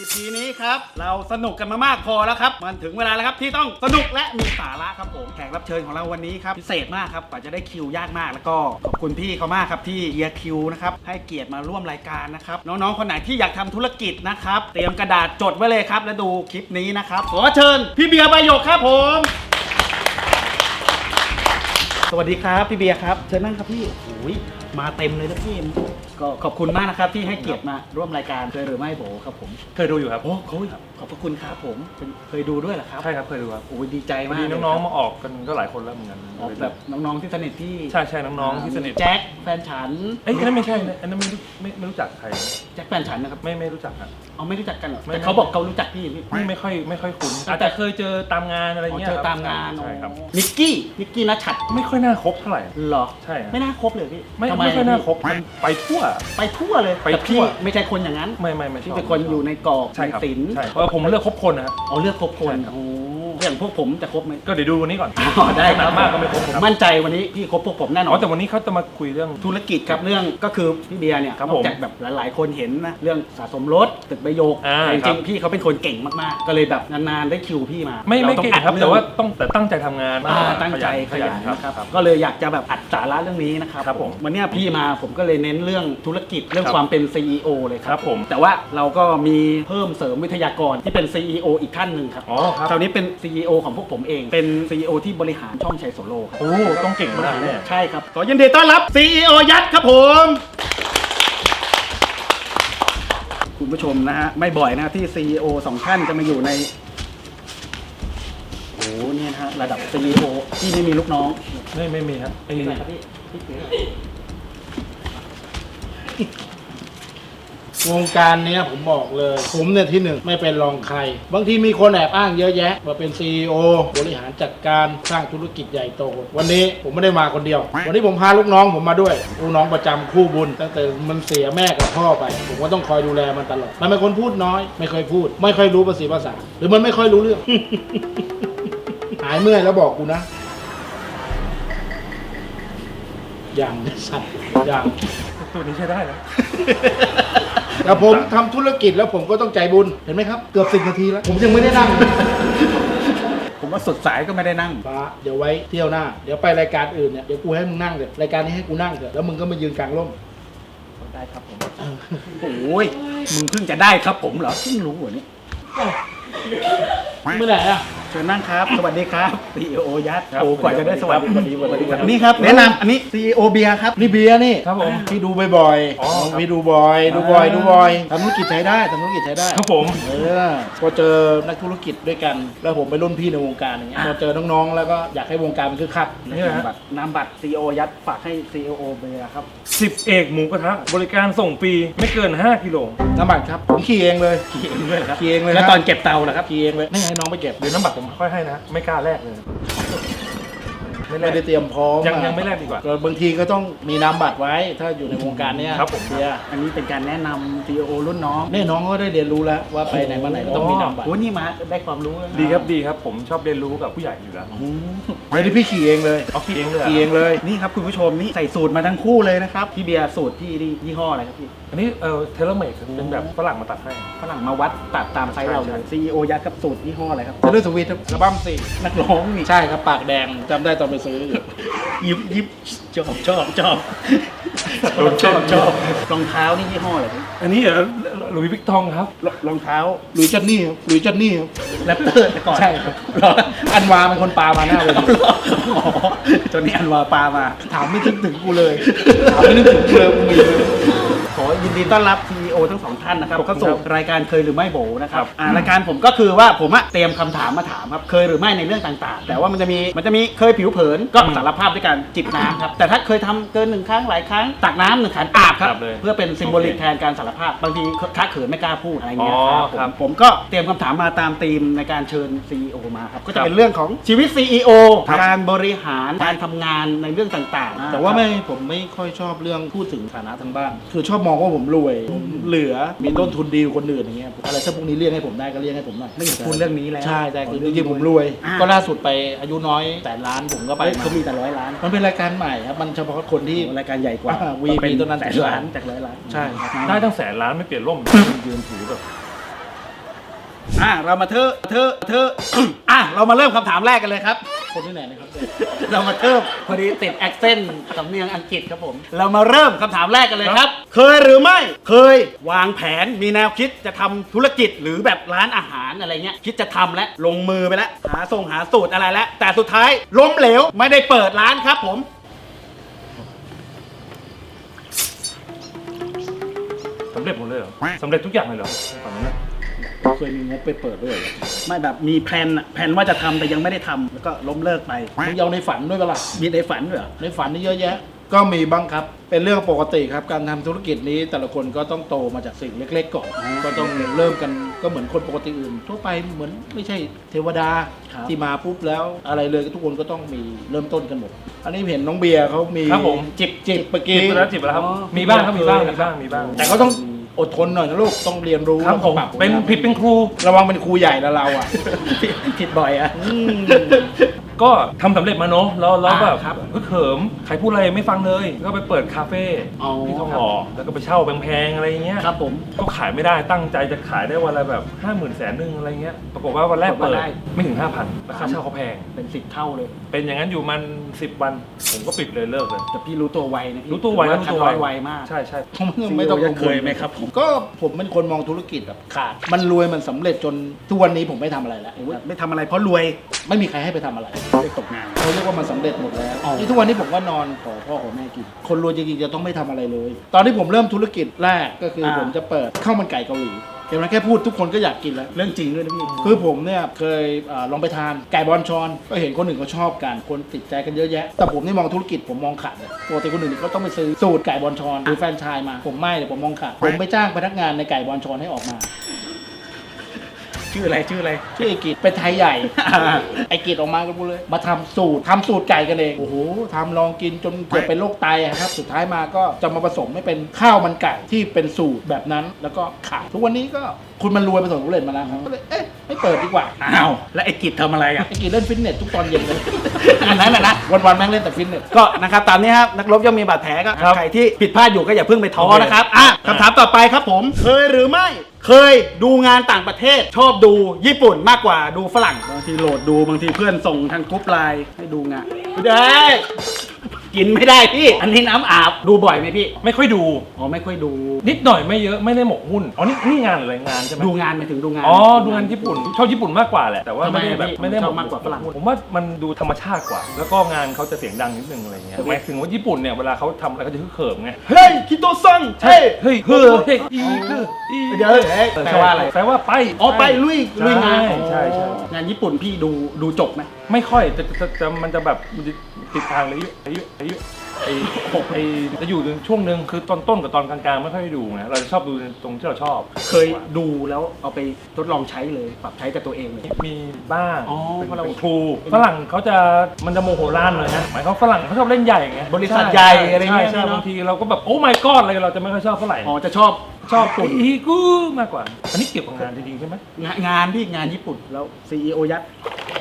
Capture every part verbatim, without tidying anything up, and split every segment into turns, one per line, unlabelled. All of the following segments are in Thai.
พีนี้ครับเราสนุกกันมามากพอแล้วครับมันถึงเวลาแล้วครับที่ต้องสนุกและมีสาระครับผมแขกรับเชิญของเราวันนี้ครับพิเศษมากครับกว่าจะได้คิวยากมากแล้วก็ขอบคุณพี่เขามากครับที่เฮียคิวนะครับให้เกียรติมาร่วมรายการนะครับน้องๆคนไหนที่อยากทำธุรกิจนะครับเตรียมกระดาษจดไว้เลยครับแล้วดูคลิปนี้นะครับขอเชิญพี่เบียร์ใบหยกครับผมสวัสดีครับพี่เบียร์ครับเชิญนั่งครับพี่โอ้ยมาเต็มเลยนะพี่ก็ขอบคุณมากนะครับที่ให้เกียรติมาร่วมรายการเคยหรือไม่โบครับผม
เคยดูอยู่ครับ
โอ้เขาขอบพระคุณครับผมเคยดูด้วยเหรอครับ
ใช่ครับเคยดูครับ
โอ้ยดีใจมาก
มีน้องๆมาออกกันก็หลายคนแล้วเหมือนกัน
แบบน้องๆที่สนิทที่
ใช่ใช่น้องๆที่สนิท
แจ็คแฟนฉัน
เอ้ยอันนั้นไม่ใช่อันนั้นไม่ไม่ไม่รู้จักใคร
แจ็คแฟนฉันนะครับ
ไม่ไม่รู้จักครับ
เอาไม่รู้จักกันหรอแต่เขาบอกเขารู้จักพี่
พี่ไม่ค่อยไม่ค่อยคุ้นอาจจะเคยเจอตามงานอะไรเงี้ย
เจอตามงาน
ใช่ครับ
นิกกี้นิกกี้นัชชัด
ไม่ค่อยน่าคบเท่าไหร่
หรอ
ใช่
ไม่น่าคบเลยพี่
ไม่ไม่ค่อยน่าคบมันไปทั่ว
ไปทั่วเลย
ไปทั่ว
ไม่ใช่คนอย่างนั้น
ไม่ไม่ไม่
ที่เป็นคนอยู่ในกรอบในศิลป์
ใช่เพราะผมเลือกคบคนนะครับ
เอาเลือกคบคนโอ้อย่างพวกผมจะคบไหม
ก็เดี๋ยวดูวันนี้ก่อน
ได้ครับ
มากก็ไม่คบ
ผมมั่นใจวันนี้พี่คบพวกผมแน่นอน
อ๋อแต่วันนี้เขาจะมาคุยเรื่อง
ธุรกิจครับเรื่องก็คือพี่เบียร์เนี่ยนอกจากแบบหลายๆคนเห็นนะเรื่องสะสมรถตึกใบโยกจริงๆพี่เขาเป็นคนเก่งมากๆก็เลยแบบนานๆได้คิวพี่มา
ไม่ไม่เก่งครับแต่ว่าต้องแต่ตั้งใจทำงาน
ตั้งใจขยันนะครับก็เลยอยากจะแบบอัดสาระเรื่องนี้นะครับผมวันนี้พี่มาผมก็เลยเน้นเรื่องธุรกิจเรื่องความเป็น ซี อี โอ เลยครับผมแต่ว่าเราก็มีเพิ่มเสริมวิทยากรที่เป็น ซี อี โอ อีกท่านหนึ่งครับ
อ๋อครับ
คราวนี้เป็น ซี อี โอ ของพวกผมเองเป็น ซี อี โอ ที่บริหารช่องชัยโซโล่ครับ
โอ้ต้องเก่งมากแน่
ใช่ครับขอยินดีต้อนรับ ซี อี โอ ยัดครับผมคุณผู้ชมนะฮะไม่บ่อยนะที่ ซี อี โอ สองท่านจะมาอยู่ในโอ้เนี่ยนะฮะระดับ ซี อี โอ ที่ไม่มีลูกน้อง
ไม่ไม่มีครับ
ไม่มีครับพี่
วงการนี้ผมบอกเลยผมเนี่ยที่หนึ่งไม่เป็นรองใครบางทีมีคนแอบอ้างเยอะแยะว่าเป็น ซี อี โอ บริหารจัดการสร้างธุรกิจใหญ่โตวันนี้ผมไม่ได้มาคนเดียววันนี้ผมพาลูกน้องผมมาด้วยลูกน้องประจำคู่บุญตั้งแต่มันเสียแม่กับพ่อไปผมก็ต้องคอยดูแลมันตลอดมันเป็นคนพูดน้อยไม่ค่อยพูดไม่ค่อยรู้ภาษีภาษาหรือมันไม่ค่อยรู้เรื่อง หายเมื่อยแล้วบอกกูนะอย่างสัตว์อย่าง
ตัวนี้ใช้ได้แล้ว
แต่ผมทำธุรกิจแล้วผมก็ต้องใจบุญเห็นไหมครับเกือบสิบนาทีแล้วผมยังไม่ได้นั่ง
ผมว่าสุดสายก็ไม่ได้นั่ง
ป้าเดี๋ยวไว้เที่ยวหน้าเดี๋ยวไปรายการอื่นเนี่ยเดี๋ยวกูให้มึงนั่งเถอะรายการนี้ให้กูนั่งเถอะแล้วมึงก็มายืนกลางร่ม
ได้ครับผมโอ้ยมึงเพิ่งจะได้ครับผมเหรอเพิ่งรู้เหรอเนี่ย
เมื่อไหร่อ่ะ
เชิญนั่งครับสวัสดีครับ ซี อี โอ ยัดโอ้กว่าจะได้สวัสดี
สวัสดีสวัสดีครับ
นี่ครับแนะนำอันนี้ ซี อี โอ เบียร์ครับ
นี่เบียร์นี่
ครับผม
พี่ดูบ่อยๆพี่ดูบ่อยดูบ่อยดูบ่อยทำธุรกิจใช้ได้ทำธุรกิจใช้ได้
ครับผม
เออพอเจอนักธุรกิจด้วยกันแล้วผมไปรุ่นพี่ในวงการอย่างเงี้ยพอเจอน้องๆแล้วก็อยากให้วงการมันคึกคัก
นี่แหละบัตรนามบัตร ซี อี โอ ยัดฝากให้ ซี อี โอ เบียร์ครับ
สิบเอกหมูกระทะบริการส่งฟรีไม่เกินห้ากิโล
น้ำบัตรครับผมขี่เองเลย
ขี่เองเลยครับ
ขี่เองเลย
แล้วตอนเก็บเตาล่ะครับ
ขี่เองเลยไม่ให้น้องไปเก็บ
เดี๋ยวน้ำบัตรผมค่อยให้นะไม่กล้าแลกเลย
ไม่ได้เตรียมพร้อม
ยังยังไม่แลกดีกว่า
บางทีก็ต้องมีนามบัตรไว้ถ้าอยู่ในวงการเนี้ย
ครับผม
เบียร์
อันนี้เป็นการแนะนำ ซี อี โอ รุ่นน้อง
นี่น้องก็ได้เรียนรู้แล้วว่าไปไหนมาไหนก็ต้องมีนามบัตร
โอ้นี่มาได้ความรู้
ดีครับดีครับผมชอบเรียนรู้กับผู้ใหญ่อยู่แล้ว
ไม่ได้พี่ขี่เองเลย
เอาขี่เองเลย
ขี่เองเลย
นี่ครับคุณผู้ชมนี่ใส่สูตรมาทั้งคู่เลยนะครับพี่เบียร์สูตรพี่นี่ยี่ห้ออะไรครับพี่
อันนี้เออเทเลเมดเป็นแบบฝรั่งมาตัดให้
ฝรั่งมาวัดตัดตามไซส์เราเลย ซี อี โอ ยัดกับสูตรยี่ห้ออะไรครับ
เทเลสวิตอัลบั้มสี่
นักร้องนี่
ใช่ครับปากแดงจำได้ตอนไปซื้อ
ยิบยิบชอบชอบชอบชอบชอบรองเท้านี่ยี่ห้ออะไรครับ
อันนี้เหรอหลุยส์วิกตองครับ
รองเท้า
หลุยส์จันนี่หลุยส์จันนี่
แรปเตอร์แต่ก่อน
ใช่ครับอันวาเป็นคนปามาหน้าเลย
จนนี้อันวาปามา
ถามไม่ถึงถึงกูเลยถามไม่นึกถึงกูเลยกูมี
ขอยินดีต้อนรับ ซี อี โอ ทั้งสองท่านนะครับเข้าสู่รายการเคยหรือไม่โบนะครับรายการผมก็คือว่าผมเตรียมคำถามมาถามครับเคยหรือไม่ในเรื่องต่างๆแต่ว่ามันจะมีมันจะมีเคยผิวเผินก็สารภาพด้วยการจิบน้ำครับแต่ถ้าเคยทำเกินหนึ่งครั้งหลายครั้งตักน้ำหนึ่งขันอาบครับเพื่อเป็นซิมโบลิกแทนการสารภาพบางทีค้าเขินไม่กล้าพูดอะไรเงี้ยครับผมก็เตรียมคำถามมาตามธีมในการเชิญ ซี อี โอ มาครับก็จะเป็นเรื่องของชีวิต ซี อี โอ การบริหารการทำงานในเรื่องต่างๆ
แต่ว่าไม่ผมไม่ค่อยชอบเรื่องพูดถึงฐานะทางบ้านคือชอบมองว่าผมรวยเหลือมีต้นทุนดีกว่าคนอื่นอย่างเงี้ยอะไรถ้าพวกนี้เรียกให้ผมได้ก็เรียกให้ผมหน่อย
ไม่อยากพูดเรื่องนี้แล้ว
ใช่ใช่คือจริงๆผมรวยก็ล่าสุดไปอายุน้อยแสนล้านผมก็ไป
เขามีแต่ร้อยล้าน
มันเป็นรายการใหม่ครับมันเฉพาะคนที่
รายการใหญ่กว่า
วีพีต้นนั้น
แสนล้านจากร้อยล้าน
ใช่
ได้ตั้งแสนล้านไม่เปลี่ยนร่มยืนถือแบบ
อ่ะเรามาเทอะเทอะเทอะ อ่ะเรามาเริ่มคำถามแรกกันเลยครับ
คนที่ไหนนะครับ
เรามาเริ่มพอดีติดแอคเซนต์สำเนียงอังกฤษครับผม เรามาเริ่มคำถามแรกกันเลยครับ เคยหรือไม่เคยวางแผนมีแนวคิดจะทำธุรกิจหรือแบบร้านอาหารอะไรเงี้ยคิดจะทำแล้วลงมือไปแล้วหาส่งหาสูตรอะไรแล้วแต่สุดท้ายล้มเหลวไม่ได้เปิดร้านครับผม
สำเร็จหมดเลยเหรอสำเร็จทุกอย่างเลยเหรอฝั่งนั้นนะ
เคยมีงบไปเปิดด้วยเหรอ
ไม่แบบมีแพลนอะแพลนว่าจะทำแต่ยังไม่ได้ทำแล้วก็ล้มเลิกไป
มึงเอาในฝันด้วยปะล่ะ
มีในฝันด้วยเหรอ
ในฝันนี่เยอะแยะ ก็มีบ้างครับ เป็นเรื่องปกติครับ การทำธุรกิจนี้แต่ละคนก็ต้องโตมาจากสิ่งเล็กๆก่อน ก็ต้องเริ่มกันก็เหมือนคนปกติอื่น ทั่วไปเหมือนไม่ใช่เทวดา
ครับ
ที่มาปุ๊บแล้วอะไรเลยทุกคนก็ต้องมีเริ่มต้นกันหมด อันนี้เห็นน้องเบียร์เขามี
ครับผม
จิบจิบเมื่อกี้
จิบไปแล้วจิบไปแล้วครับ
อ๋อ
มีบ้างครับมีบ้างมีบ้างมีบ้าง
แต่เขาต้องอดทนหน่อยนะลูกต้องเรียนรู้
ครับผม
แล้วก็ปรับ
เป็นผิดเป็นครู
ระวังเป็นครูใหญ่แล้วเราอ่ะ
ผิดบ่อยอะ
อืม
ก็ทำสำเร็จมาเนอะแล้วแล้วแบบ
อ่าครับ
ฮึกเหิมใครพูดอะไรไม่ฟังเลย ก็ไปเปิดคาเฟ่
อ๋อ
ที่ทองหล่อแล้วก็ไปเช่าแพงๆอะไรอย่างเงี้ย
ครับผม
ก็ขายไม่ได้ตั้งใจจะขายได้วันละแบบห้าหมื่นแสนหนึ่งอะไรเงี้ยปรากฏว่าวันแรกเปิด
ได้
ไม่ถึงห้าพันราคาเช่าเขาแพง
เป็นสิบเท่าเลย
เป็นอย่างนั้นอยู่มันสิบวัน ผมก็ปิดเลยเลิกเลย
แต่พี่รู้ตัวไวนะพี่
รู้ตัวไว
ถือ
รู้ตัวไว
ทำไวมาก
ใช่ใช่
ผมไม่ต้อง
ซี
กั
อี
ง
โอ
วล
เคยไหมครับผม
ก็ผมเป็นคนมองธุรกิจแบบขาด มันรวยมันสำเร็จจนทุกวันนี้ผมไม่ทำอะไรแล้ว
โอ้ยไม่ทำอะไรเพราะรวย
ไม่มีใครให้ไปทำอะไร
ได้ตกงาน
เขาเรียกว่ามันสำเร็จหมดแล้ว
อ๋อ
นี่ทุกวันนี้ผมก็นอนขอพ่อขอแม่กิน คนรวยจริงๆจะต้องไม่ทำอะไรเลย ตอนที่ผมเริ่มธุรกิจแรกก็คืออา ผมจะเปิดข้าวมันไก่เกาหลีเห็นไหมแค่พูดทุกคนก็อยากกินแล้ว
เรื่องจริงด้วยนะพี่
คือผมเนี่ยเคยอาลองไปทานไก่บอลชอน ก็เห็นคนอื่นเขาชอบกัน คนติดใจกันเยอะแยะ แต่ผมนี่มองธุรกิจผมมองขาดเลยปกติคนอื่นเขาต้องไปซื้อสูตรไก่บอลชอนหรือแฟรนไชส์มา ผมไม่เลยผมมองขาด ผมไปจ้างพนักงานในไก่บอลชอนให้ออกมา
ชื่ออะไรชื่ออะไร
ชื่อไอกิจเป็นไทยใหญ่ ไอกิจออกมากันหมดเลย มาทำสูตรทำสูตรไก่กันเอง โอ้โหทำลองกินจนเกือบเป็นโรคไตอะครับ สุดท้ายมาก็จะมาผสมให้เป็นข้าวมันไก่ที่เป็นสูตรแบบนั้น แล้วก็ขายทุกวันนี้ก็คุณมันรวยประสบความสำเร็จมาแล้วครับก็เลยเอ๊ะไม่เปิดดีกว่า
อ้าว แล้วไอ้กิจทำอะไรอ่ะ
ไอกิจเล่นฟิตเนสทุกตอนเย็นเลย
อันนั้นน่ะนะ
วันๆแม่งเล่นแต่ฟิตเนส
ก็นะครับตามนี้ครับนักรบย่อมมีบาดแผลก็
ครับ
ใครที่ผิดพลาดอยู่ก็อย่าเพิ่งไปท้อ
โอเค
นะครับอ่ะคำถามต่อไปครับผม เคยหรือไม่ เคยดูงานต่างประเทศ ชอบดูญี่ปุ่นมากกว่าดูฝรั่งบางทีโหลดดูบางทีเพื่อนส่งทางกรุ๊ปไลน์ให้ดูงานไม่ได้กินไม่ได้พี่ อันนี้น้ำอาบดูบ่อยไหมพี่
ไม่ค่อยดู
อ๋อไม่ค่อยดู
นิดหน่อยไม่เยอะไม่ได้หมกหุ้นอ๋อนี่นี่งานอะไรงานใช่ไหม
ดูงานไปถึงดูงาน
อ๋อดูงานญี่ปุ่นชอบญี่ปุ่นมากกว่าแหละแต่ว่า
ทำไม
ไม่ได้แบบ
พี่
ไม่ได้
ชอบมากกว่าฝรั่ง
ผมว่ามันดูธรรมชาติกว่า แล้วก็งานเขาจะเสียงดังนิดนึงอะไรเงี้ยหมายถึงว่าญี่ปุ่นเนี่ยเวลาเขาทำอะไรเขาจะฮึกเหิมไง
เฮ้ยคิโตซังเฮ้ย
เฮ้ยเฮ้ยเฮ้ยอีเฮ้ยอี
เดี๋ยวเฮ้ยแปลว่าอะไร
แปลว่าไป
อ๋อไปลุยลุยงาน
ใช่ใช่ใช่
งานญี่ปุ่นพี่ดูดูจบไหม
ไม่ค่อยจะจะจะมันจะแบบมันจะติดทางเลยอายุอายุไอ้ไอ้จะอยู่ในช่วงหนึ่งคือตอนต้นกับตอนกลางๆไม่ค่อยได้ดูไงเราจะชอบดูตรงที่เราชอบ
เคยดูแล้วเอาไปทดลองใช้เลยปรับใช้กับตัวเองเลย
มีบ้าง
อ๋อ
เป็น
เพราะเรา
เป็นครูฝรั่งเขาจะมันจะโมโหร้านเลยนะหมายเขามฝรั่งเขาชอบเล่นใหญ่ไง
บริษัทใหญ่อะไรเงี้ย
ใช่
เนอะ
บางทีเราก็แบบโอ้ my god อะไรเราจะไม่ค่อยชอบเท่าไหร่
อ๋อจะชอบ
ชอบตุ่นอีกูมากกว่า อันนี้เกี่ยวกับงานจริงๆใช่ไหม
งานงานพี่งานญี่ปุ่นแล้วซีอีโอยัด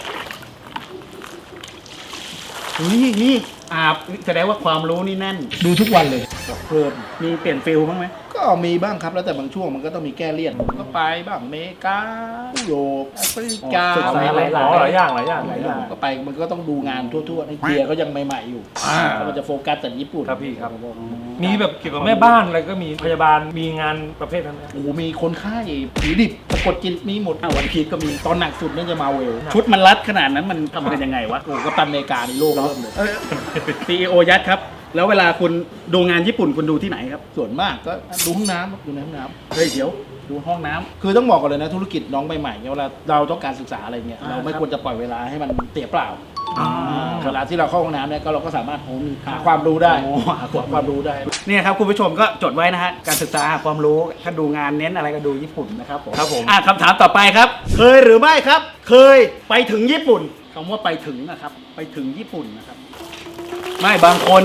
นี่นี่อาบแสดงว่าความรู้นี่แน่น
ดูทุกวันเลยเพลิน
มีเปลี่ยนฟิลบ้างไหม
ก็มีบ้างครับแล้วแต่บางช่วงมันก็ต้องมีแก้เลี่ยนผมก็ไปบ้างอเมริกายุโรปแอฟริกา
ศึกษาหลาย
อ๋อหลายอย่างหลายอย่าง
ห
ห
ลา
ลาย ย
อ
อย่าง ย่
ก็ไปมันก็ต้องดูงานทั่วๆในเบียร์ก็ยังใหม่ๆอยู่
อ่า
แล้วมันจะโฟกัสแต่ญี่ปุ่น
ครับพี่ครับ มีแบบเกี่ยวกับแม่บ้านอะไรก็มีพยาบาลมีงานประเภทนั้นไหม
โอ้โหมีคนไข้ผีดิบสะกดจิตมีหมด
อ่ะวันพีชก็มี
ตอนหนักสุดนั่นจะมาเวล
ชุดมันรัดขนาดนั้นมันทำกันยังไงวะ
โอ้โหกัปตันอเมริกาในโลกเริ่มเลย
ซีอีโอยัดครับ แล้วเวลาคุณดูงานญี่ปุ่นคุณดูที่ไหนครับ
ส่วนมากก็ดูห้องน้ำดูในห้องน้ำ
เฮ้ยเดี๋ยวดูห้องน้ำ
คือต้องบอกก่อนเลยนะธุรกิจน้องใหม่ๆเนี่ยเวลาเราต้องการศึกษาอะไรเงี้ย
อ่า
เราไม่
ครับ
ควรจะปล่อยเวลาให้มันเสียเปล่า
อ่า
เวลาที่เราเข้าห้องน้ำเนี่ยก็เราก็สามารถหาความรู้ได้
โอ้หาความ
ความรู้ได้
เนี่ยครับคุณผู้ชมก็จดไว้นะฮะการศึกษาหาความรู้ถ้าดูงานเน้นอะไรก็ดูญี่ปุ่นนะครับผม
ครับผม
อ่ะคำถามต่อไปครับ เคยหรือไม่ครับ เคยไปถึงญี่ปุ่นคำว่าไปถึงนะครับ ไปถึงญี่ปุ่นนะครับ ไม่บางคน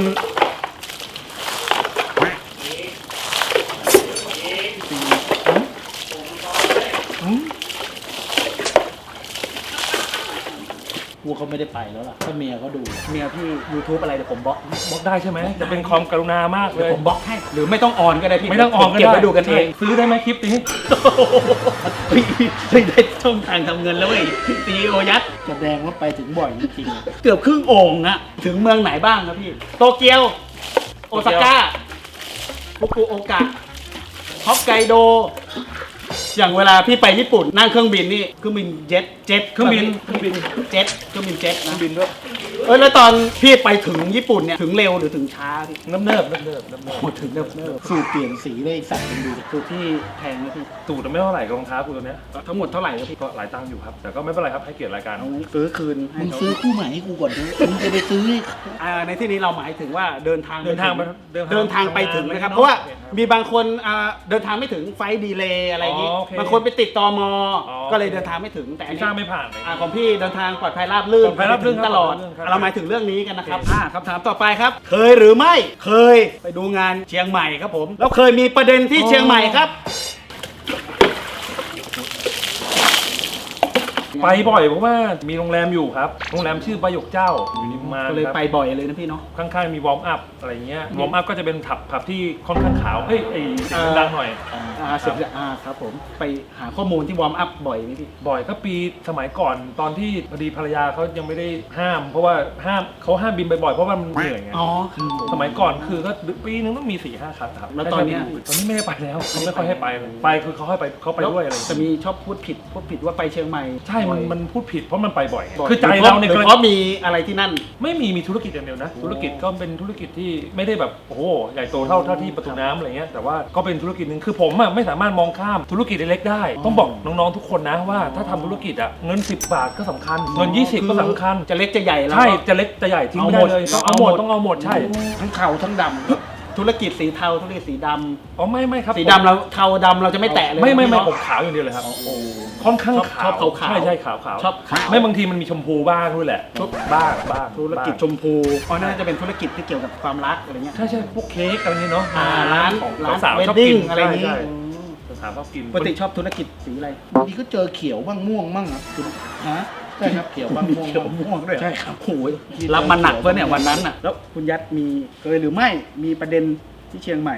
กลัวเขาไม่ได้ไปแล้วล่ะถ้าเมียเขาดู
เมียพี่ YouTube อะไรเดี๋ยวผมบล็อก
บล็อกได้ใช่ไหมจะเป็นความกรุณามากเล
เดี๋ยวย ผมบล็อกให้หรือไม่ต้องออนก็ได้พี่
ไม่ต้องออนก็
เก็บ
ได้
ไว้ดูกันเอง
ซื้อได้ไหมคลิปนี้
เฮ้ยเฮ้ยได้ช่องทางทำเงินแล้วเว้ยซีโอยัด
แสดงว่าไปถึงบ่อยจริงๆอะ
เกือบครึ่งโอ่งอะถึงเมืองไหนบ้างครับพี่ โตเกียว โอซาก้าฟุกุโอกะฮอกไกโด อย่างเวลาพี่ไปญี่ปุ่นนั่งเครื่องบินนี่เครื่องบินเจ็ตเจ็ต
เครื่องบินเครื่องบิน
เจ็ตเครื่องบินเจ็ต
เครื่
นะ
องบินด้วย
เออแล้วตอนพี่ไปถึงญี่ปุ่นเนี่ยถึงเร็วหรือถึงช้าพี่
เนิบเนิบเนิบเนิบเนิบเนิบ
โอ้ถึงเร็วเร็ว
สูตรเปลี่ยนสีเลยไอ้สัตว์มันดูดิ
คือพี่แพงไหมพี่
ตูดไม่เท่าไหร่กับรองเท้ากูตัวเนี้ย
ทั้งหมดเท่าไหร่ครับพี่
ก็หลายตังค์อยู่ครับ แต่ก็ไม่เป็นไรครับให้เกียรติรายการ
เอาซื้อคืนให้
มึง
เขา
ซื้อคู่ใหม่ให้กูก่อนเถอะมึงจะไปซื้อให้เขา
อ่าในที่นี้เราหมายถึงว่าเดินทาง
เดินทางไป
ถึเดินทางไปถึงนะครับ
ทำง
เพราะว่า
โอคคบ
มีบางคนอ่าเดินทางไม่ถึงไฟล์ดีเลย์อะไรอย่างงี้
อ๋อโอเค
บางคนไปติดตม
อ๋อ
ก็เลยเดินทางไม่ถึงแต่อัน
วี
นี้
ซ่าไม่ผ่านเลย
อ่าของพี่เดินทางปลอดภัยราบรื่น
ปลอดภัยราบรื่น
ตลอด
ครับ
เราหมายถึงเรื่องนี้กันนะครับ
โอเค
อ่าคำถามต่อไปครับ เคยหรือไม่เคยไปดูงานเชียงใหม่ครับผมแล้วเคยมีประเด็นที่เชียงใหม่ครับ
ไปบ่อยเพราะว่ามีโรงแรมอยู่ครับ โรงแรมชื่อประโยคเจ้าอยู่ริมมาน
ก็เลย
ครับ
ไปบ่อยเลยนะพี่เนาะ
ข้างๆมีวอร์มอัพอะไรเงี้ยวอร์มอัพก็จะเป็นผับผับที่ค่อนข้างขาวเอ้ยไอเสียงดังหน่อย
อ่าเสร็จแล้วอ่าครับผมไปหาข้อมูลที่วอร์มอัพบ่อยไหมพี่
บ่อยก็ปีสมัยก่อนตอนที่พอดีภรรยาเขายังไม่ได้ห้าม เพราะว่าห้ามเขาห้ามบินบ่อยๆเพราะว่ามันเหนื่อยไง
อ๋อ
สมัยก่อนคือก็ปีนึงต้องมีสี่ห้าครั้งครับ
แล้วตอนเนี้ย
ตอนนี้ไม่ได้ไปแล้วเขาไม่ค่อยให้ไปเลยไปคือเขาให้ไปเขาไปด้วยอะไรอย่าง
จะ
เงี้ย
มีชอบพูดผิดพูดผิดว่าไปเชียงใหม่
ใช่มันมันพูดผิดเพราะมันไปบ่อยไง
บ่อย
คือใจเราเนี่ย
หรือเพราะมีอะไรที่นั่น
ไม่มีมีธุรกิจอย่างเดียวนะ ธุรกิจก็เป็นธุรกิจที่ไม่ได้แบบโอ้โหใหญ่โตเท่าเท่าที่ประตูน้ำอะไรเงี้ยแต่ว่าก็เป็นธุรกิจหนึ่งคือผมอะไม่สามารถมองข้ามธุรกิจเล็กๆได้ ต้องบอกน้องๆทุกคนนะว่าถ้าทำธุรกิจอะเงินสิบบาทก็สำคัญ เงินยี่สิบก็สำคัญ
จะเล็กจะใหญ่แล้ว
ใช่
ก็
จะเล็กจะใหญ่ทิ้งไม่ได้เลย
เอา
ต้อง
หม
เอา
ด
หมดต้องเอาหมดใช่
ทั้งเข่าทั้งดำ
ธุรกิจสีเทาธุรกิจสีด
อ๋อไม่ไม่ครับ
ำสีดำเราเทาดำเราจะไม่แตะเลย
ไม่ไม่ไม่
พี่
ผ
เนาะ
มขาวอย่างเดียวเลยครับ
โอ้โห
ค่อนข้าง
ชอบ
ขาว
ชอบขาวๆ
ใช่ใช่ขาวขาว
ชอบขาว
ไม่บางทีมันมีชมพูบ้างด้วยแหละ
ชอบ
บ้างบ้าง
ธุรกิจ
บ้าง
ชมพูอ๋อน่าจะเป็นธุรกิจที่เกี่ยวกับความรักอะไรเงี้ย
ใช่ใช่พวกเค้กอะไรเงี้ยเนาะ
อ่าร้าน
ของ
ร้าน
สาวๆชอบ
wedding
กิน
อะไรอย่างงี้
ใช่
อืม
ใช่สาวๆชอบกิน
ปกติชอบธุรกิจสีอะไร
บางทีก็เจอเขียวบ้างม่วงบ้างครับคุณฮะใช่ครับเขียวบ้างม่วง
เขียว
บ้าง
ม่วงด้วยเหอ
ใช่ครับ
โอ้ยรับมาหนักเพื่อเนี่ยวันนั้นน่ะแล้วคุณยัดมีเคยหรือไม่มีประเด็นที่เชียงใหม่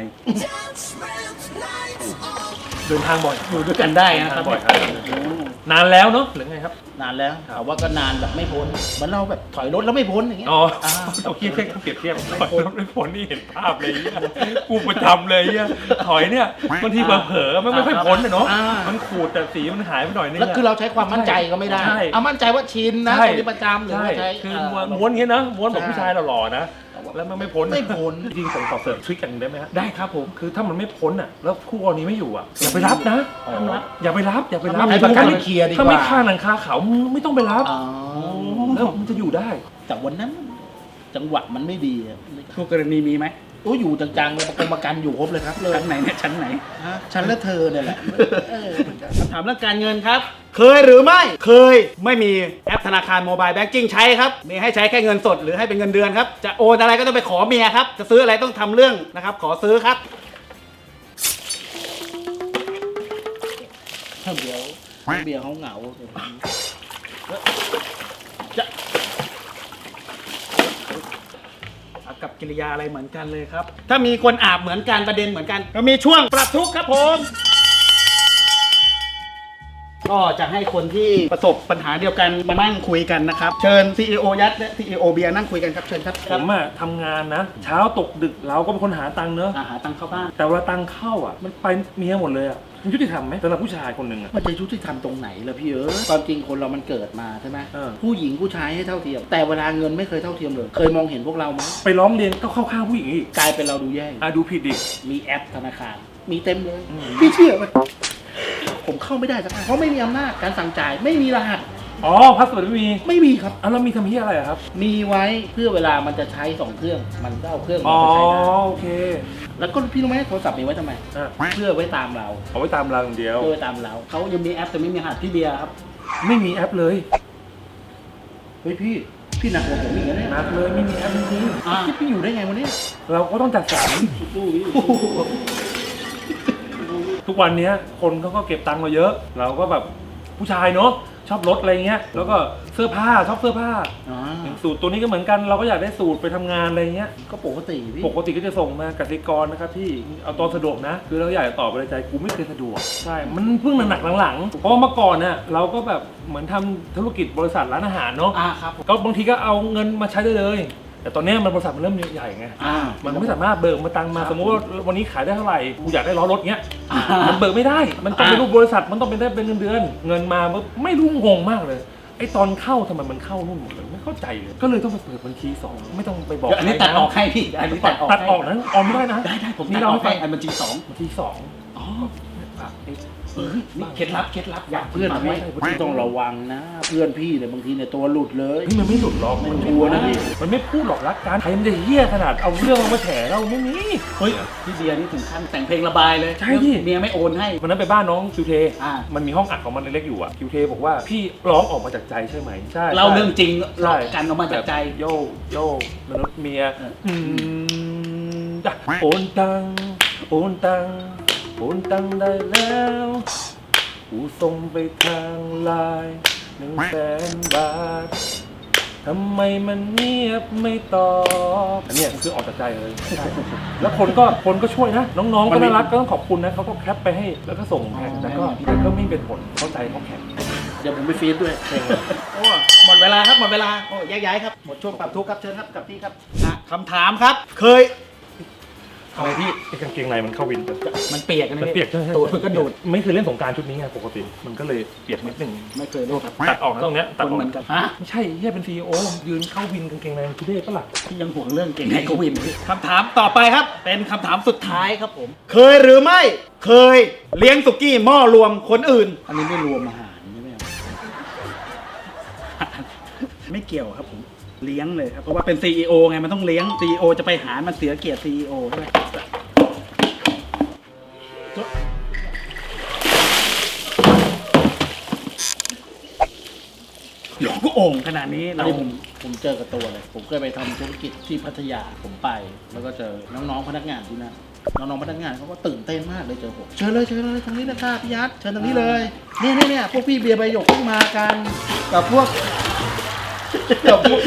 เดินทางบ่อย
อยู่ด้วยกันได้นะครับ
บ่อยครับนานแล้วเนาะหรือไงครับ
นานแล้วแต่ว่าก็นานแบบไม่พ้นเหมือนเราแบบถอยรถแล้วไม่พ้นอย่างเงี้ย
อ๋อ
อ่า
เอาเทียบแค่เปรียบเทียบถอยรถไม่พ้นนี่เห็นภาพเลยเหี้ยกูประจำเลยเหี้ยถอยเนี่ยบางทีเผลอๆมันไม่ค่อยพ้นเลยเนาะ
อ่า
มันขูดแต่สีมันหายไปหน่อยนึง
แล้วคือเราใช้ความมั่นใจก็ไม่ได้
ใช่
เอามั่นใจว่าชินนะ
ใช่
คนที่ประจำหรือ
ใช่
ว่าใช้
คือ
เอ่อ
ม้วนอย่างเงี้ยนะม้วนแบบ
ใช่
ผู้ชายหล่อๆนะแล้วมันไม่พ้น
ไม่พ้น
จริงๆผมขอเสริมทริคกันงได้ไหมฮะ
ได้ครับผม
คือถ้ามันไม่พ้นอ่ะแล้วคู่กรณีไม่อยู่อ่ะอย่าไปรับนะ
อ๋อ
อย่าไปรับอย่าไปรับ
ให้ประกันไปเคลียร์ดีกว่า
ถ้าไม่ฆ่าหนังคาเขามึงไม่ต้องไปรับ
อ๋อ
แล้วมันจะอยู่ได้
แต่วันนั้นจังหวะมันไม่ดีอะ
คู่กรณีมีไหม
โอ้อยู่จังๆเลยประกันประกันอยู่ครบเลยครับเลย
ชั้นไหนเนี่ยชั้นไหน
ฮะฉันและเธอเนี่ยแหละเออ
คำถามเรื่องการเงินครับ เคยหรือไม่ เคยไม่มีแอปธนาคารโมบายแบงกิ้งใช้ครับ มีให้ใช้แค่เงินสดหรือให้เป็นเงินเดือนครับ จะโอนอะไรก็ต้องไปขอเมียครับ จะซื้ออะไรต้องทำเรื่องนะครับ ขอซื้อครับ
เดี๋ยวเบียร์เขาเหงา
กับกิริยาอะไรเหมือนกันเลยครับ ถ้ามีคนอาบเหมือนกันประเด็นเหมือนกันก็มีช่วงปรับทุกข์ครับผม ก็จะให้คนที่ประสบปัญหาเดียวกันมานั่งคุยกันนะครับ เชิญ ซี อี โอ ยัดและ ซี อี โอ เบียร์นั่งคุยกันครับ เชิญครับ
ผมอะทำงานนะ เช้าตกดึกเราก็เป็นคนหาตังค์เนอะ
อาหาตังค์เข้าบ้าน
แต่เวลาตังค์เข้าอ่ะมันไปเมียหมดเลยอ่ะมันยุติธรรมไหมสำหรับผู้ชายคนหนึ่งอ่ะ
มันจะยุติธรรมตรงไหนล่ะพี่เออความจริงคนเรามันเกิดมาใช่ไหม
เออ
ผู้หญิงผู้ชายให้เท่าเทียม แต่เวลาเงินไม่เคยเท่าเทียมเลย เคยมองเห็นพวกเราไหม
ไปร้องเรียนก็เข้าข้างผู้หญิงอีก
กลายเป็นเราดูแย่
อ่ะดูผิดดิ
มีแอปธนาคาร มีเต็มเลย
อืม
พี่เชื่อไหมผมเข้าไม่ได้สักอันเพราะไม่มีอำนาจการสั่งจ่ายไม่มีรหัส
อ๋อพาสเวิร์ดไม่มี
ไม่มีครับ
อ่ะแล้วมีทำเฮียอะไรอะครับ
มีไว้เพื่อเวลามันจะใช้สองเครื่อง มันก็เอาเครื่อง
อ๋
เรา
อ
ไปใช้ได้
โอเค
แล้วก็พี่รู้ไหมโทรศัพท์มีไว้ทำไม
อ่ะ
เพื่อไว้ตามเรา
เอาไว้ตามเราอย่างเดียว
เพื่อไว้ตามเรา
เขายังมีแอปแต่ไม่มีรหัสพี่เบียร์ครับ
ไม่มีแอปเลย
เฮ้ยพี่ พี่หนักกว่าผมอีกนะเนี่ย
นักเลยไม่มีแอปจริง
อ่ะพี่อยู่ได้ไงวันนี้
ๆเราก็ต้องจัดสรร
สู้พี่
ทุกวันเนี้ยคนเขาก็เก็บตังค์เราเยอะ เราก็แบบผู้ชายเนาะชอบรถอะไรเงี้ยแล้วก็เสื้อผ้าชอบเสื้อผ้า
อ๋อ
อย่างสูตรตัวนี้ก็เหมือนกันเราก็อยากได้สูตรไปทำงานอะไรเงี้ย
ก็ปกติพี่
ปกติก็จะส่งมากสิกรนะครับที่เอาตอนสะดวกนะ คือเราอยากจะตอบไปในใจกูไม่เคยสะดวกใช่มันเพิ่งหนักๆหลังๆเพราะว่าเมื่อก่อนเนี่ยเราก็แบบเหมือนทำธุรกิจบริษัทร้านอาหารเนาะ
อ่าครับผม
ก็บางทีก็เอาเงินมาใช้ได้เลย แต่ตอนนี้มันบริษัทมันเริ่มใหญ่ไง
อ่า
มันไม่สามารถเบิกมาตังมา
ครับ
สมมติว่าวันนี้ขายได้เท่าไหร่กูอยากได้ล้อรถเงี้ย
อ่า
มันเบิกไม่ได้มันต้องเป็น
อ่า
รูปบริษัทมันต้องเป็นได้เป็นเงินเดือน เงินมาไม่รู้งงมากเลยไอ้ตอนเข้าทำไมมันเข้านู่นหมดเลยไม่เข้าใจเลยก็เลยต้องไปเปิดบัญชีสองไม่ต้องไปบอก
เดี๋ยวอันนี้
ใคร
ตัดออกให้พี่อันนี้ตัดออก
ตัดออก
ให้
นะออกไม่ได้นะ
ได้ได้ผม
นี่
ตัด
เรา
อ
ไม่
อก
ไป
ให้อันบัญชีสอง
บัญชีสอง
อ๋อ
อ่ะไอ้
เออนี่เคล็ดลับเคล็ดลับอยาก
เพื่อน
ฟัง
ไม่
ไหม
พี่ต้องระวังนะ เพื่อนพี่เนี่ยบางทีเนี่ยตัวหลุดเลย
เฮ้ยมันไม่หลุดหรอก
มันชัวร์นะพี่
มันไม่พูดหรอกรักกันใครมันจะเหี้ยขนาดเอาเรื่องมาแฉเราไม่มี
เฮ้ยพี่เบียร์นี่ถึงขั้นแต่งเพลงระบายเลย
ใช่พี่
เมียไม่โอนให้
วันนั้นไปบ้านน้องคิวเท
อ่า
มันมีห้องอัดของมันเล็กๆอยู่อ่ะคิวเทบอกว่าพี่ร้องออกมาจากใจใช่ไหมใช่
เล่าเรื่องจริง
ใช่
เล่ากันออกมาจากใจ
แบบโยโยมนุษย์เมีย
เออ
อืมจ้ะโอนตังโอนตังโอนตังได้แล้วกูส่งไปทางไลน์หนึ่งแสนบาททำไมมันเงียบไม่ตอบอันเนี้ยคือออกจากใจเลยใช่แล้วคนก็คนก็ช่วยนะ น้องๆก็น่ารักก็ต้องขอบคุณนะเขาก็แคปไปให้แล้วก็ส่งแข่งแต่ก็แต่ก็ไม่เป็นผลเข้าใจเขาแข่ง
เดี๋ยวผมไปฟีดด้วยเพลง
โอ้หมดเวลาครับหมดเวลาโอ้แยกย้ายครับหมดช่วงปรับทุกข์ครับเชิญครับกับพี่ครับอ่ะคำถามครับ เคยอะไรพี่
ไอ้กางเกงในมันเข้าวิน
มันเปียกนะ
มัน
พี่
เปียกใช่ไหม
ตูดมันก็ดูด
ไม่เคยเล่นสงกรารชุดนี้ไงปกติ มันก็เลยเปียกนิดนึง
ไม่เคยเล่นครับ
ตัดออกนะตรงเนี้ยตัด
คน
ออก
เหมือนกันฮะ
ไม่ใช่เฮียเป็นซีอีโอยืนเข้าวินกางเกงในทุเรศปะล่ะ
พี่ยังห่วงเรื่องเก่งในโควิดพี่คำถามต่อไปครับ เป็นคำถามสุดท้ายครับผม เคยหรือไม่เคยเลี้ยงสุกี้หม้อรวมคนอื่น อันนี้ไม่รวมอาหารใช่ไหมครับ ไม่เกี่ยวครับผมเลี้ยงเลยครับเพราะว่าเป็น ซี อี โอ ไงมันต้องเลี้ยง ซี อี โอ จะไปหารมันเสียเกียรติ ซี อี โอ ใช่ไหมหลวงก็โอ่งขนาดนี้
อัน
เรา
นี้ผมผมเจอกับตัวเลย ผมเคยไปทำธุรกิจที่พัทยาผมไป แล้วก็เจอน้องๆพนักงานที่นั่นน้องๆพนักงานเขาก็ตื่นเต้นมากเลยเจอผมเชิญเลยเชิญเลยตรงนี้นะครับพี่ยัดเชิญตรงนี้เลยเนี่ยเนี่ยเนี่ยพวกพี่เบียร์ใบหยกเพิ่งมากันกับพวกกับพวก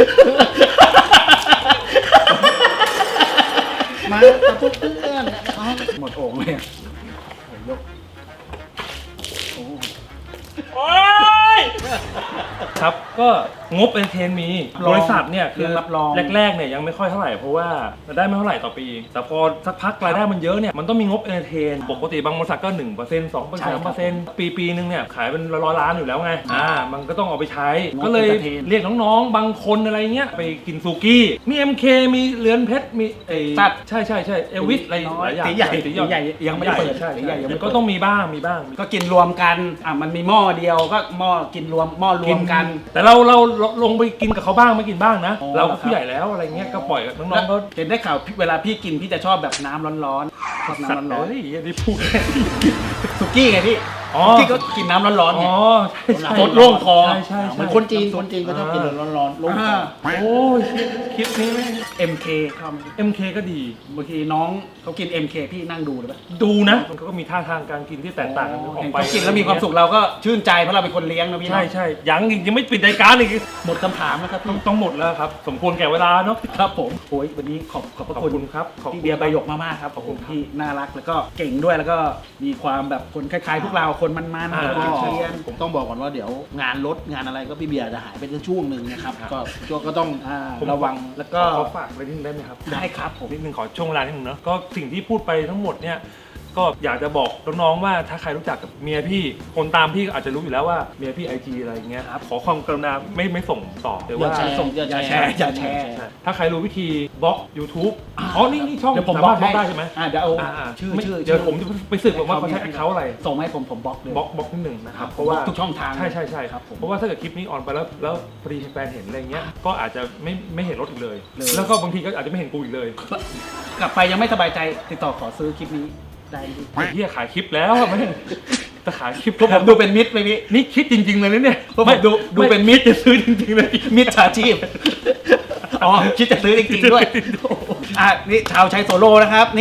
มากับพวกเพื่อนอ๋อ
หมดโอ่งเลยอะโอ้ยยกโอ้
โอ๊ยครับก็งบเอนเทนมีบริษัทเนี่ยคือ
รับรอง
แรกๆเนี่ยยังไม่ค่อยเท่าไหร่เพราะว่ารายได้ไม่เท่าไหร่ต่อปี แต่พอสักพักรายได้มันเยอะเนี่ยมันต้องมีงบเอนเทนปกติบางบริษัทก็ หนึ่งเปอร์เซ็นต์ สองเปอร์เซ็นต์ สามเปอร์เซ็นต์ปีปีนึงเนี่ยขายเป็นร้อยล้านอยู่แล้วไงอ่ามันก็ต้องเอาไปใช้
งบ
ก็เลย
entertain
เรียกน้องๆบางคนอะไรเงี้ยไปกินซูกี้มี เอ็ม เค มีเรือนเพชรมีไอ้
ตัด
ใช่ใช่ใช่เอลวิสอะไรหลายอย่าง
ตีใหญ่
ตี
ตีใหญ่ยังไม่ได้เปิด
ใช่
ตีใหญ่ยังไม่
มัน
เปิด
ก็ต้องมีบ้างมีบ้าง
ก็กินรวมกันอ่ะมันมีหม้อเดียวก็หม้อกินรวมหม้อรวมกัน
แต่เราเราเราลงไปกินกับเขาบ้างไม่กินบ้างนะ
อ๋อ
เราก็ผู้ใหญ่แล้วอะไรเงี้ยก็ปล่อยกับน้องๆก็
เห็นได้ข่าวพี่เวลาพี่กินพี่จะชอบแบบน้ำร้อนๆชอบ
สัตว์
น้ำร้อน
เฮ้ยอันนี้พูด
ๆสุกี้ไงพี่
อ๋อ
สุกี้ก็กินน้ำร้อนๆไง
อ๋อใช่ใช่
สดโล่งคอ
ใช่ใช่
เหมื
ใช่
อนคนจีนคนจีนก็ชอบกินร้อนๆลง
อ่า
โอ้ยคลิปนี้ไม่
เอ็ม เค ท
เอ็มเคก็ดี
ำบางทีน้องเขากิน เอ็ม เค พี่นั่งดูเลยปะ
ดูนะมันก็มีท่าทางการกินที่แตกต่างกันออก
เห็น
ไป
เขากินแล้วมีความสุขเราก็ชื่นใจเพราะเราเป็นคนเลี้ยงนะพี่
ใช่
เนาะ
ใช่ยังอีกยังไม่ปิดรายการอีก
หมดคำถามแล้วครับ
ต้อ
พี่
งต้องหมดแล้วครับ สมควรแก่เวลาเนาะ
ครับผมโอ้ยวันนี้ขอบขอบพระ
ขอบ
คุณ
คุณครับขอบคุณ
พี่เบียร์ใบหยกมากๆครับขอบคุณที่น่ารักแล้วก็เก่งด้วยแล้วก็มีความแบบคนคล้ายๆพวกเราคนมันๆ
แล้ว
ค
ก็
นเชียน
ผมต้องบอกก่อนว่าเดี๋ยวงานรถงานอะไรก็พี่เบียร์จะหายไปในช่วงหนึ่งนะครับ ก็ช่วงก็ต้อง
อ่า
ระวัง
แล้วก็
ขอฝากอะไรนิดนึงได้ไหมครับ
ได้ครับผม
นิดนึงขอช่วงเวลานิดนึงเนาะก็สิ่งที่พูดไปทั้งหมดเนี่ยก็อยากจะบอกน้องๆว่าถ้าใครรู้จักกับเมียพี่คนตามพี่ก็อาจจะรู้อยู่แล้วว่าเมียพี่ไอจีอะไรอย่างเงี้ยครับขอความกรุณาไม่ไม่ส่งต่อหรือ
อย่า
ว่า
แชร์
ส่ง
อย่า
อย่า
แช
แชร์
ร์
อย่าแชร์
ใช่ถ้าใครรู้วิธีบล็อก YouTube อ๋อนี่นี่ช่อง
เดี๋ยวผม
สา
บล็
มา
อ
ร
ก
ถบล็อกได้ใช่ไหม
อ่าเดี๋ยวเอา
อ่าๆ
ชื่อ
ไม่
ชื่อ
เดี๋ยวผมจะไปสืบว่าเขาใช้แอคเคาท์อะไร
ส่งมาให้ผมผมบล็อกเลย
บล็อกบล็อกนิดหนึ่งนะครับ
ผม
เพราะว่า
บล็อกทุกช่องทาง
ใช่ใช่ใช่
ครับผม
เพราะว่าถ้าเกิดคลิปนี้ออนไปแล้วแล้วพอดีแฟนเห็นอะไรเงี้ยก็อาจจะไม่ไม่เห็นรถอีกเลย
เลย
แล้วก็บางทีก็อาจจะไม่เห็นกูอีกเลย
กลับไปยังไม่สบายใจติดต่อขอซื้อคลิปนี้ได้ไหม
ไอ้เหี้ยขายคลิปแล้วอะไม่แต่ขายคลิป
เพราะผมดูเป็นมิตรไปพี่
นี่คิดจริงๆเลยนะเนี่ย
เพราะผมดูดูเป็นมิตร
จะซื้อจริงๆเลย
มิตรสาชีพอ๋อคิดจะซื้อจริงๆด้วยอ่ะนี่ชาวใช้โซโล่นะครับ นี่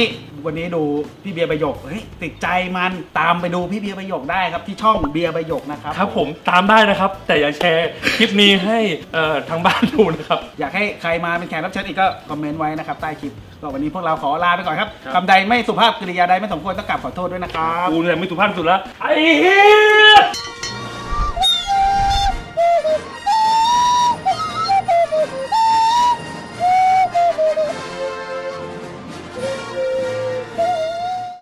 วันนี้ดูพี่เบียร์ประโยคเฮ้ยติดใจมันตามไปดูพี่เบียร์ประโยคได้ครับที่ช่องเบียร์ประโยคนะครับ
ครับผมตามได้นะครับ แต่อย่าแชร์คลิปนี้ให้เอ่อทางบ้านดูนะครับ
อยากให้ใครมาเป็นแขกรับเชิญอีกก็คอมเมนต์ไว้นะครับใต้คลิปก็วันนี้พวกเราขอลาไปก่อนครับ
ครับ
คำใดไม่สุภาพกริยาใดไม่สมควรต้องกราบขอโทษด้วยนะครับ
กูเนี่ยไม่สุภาพสุดละไอ้เหี้ย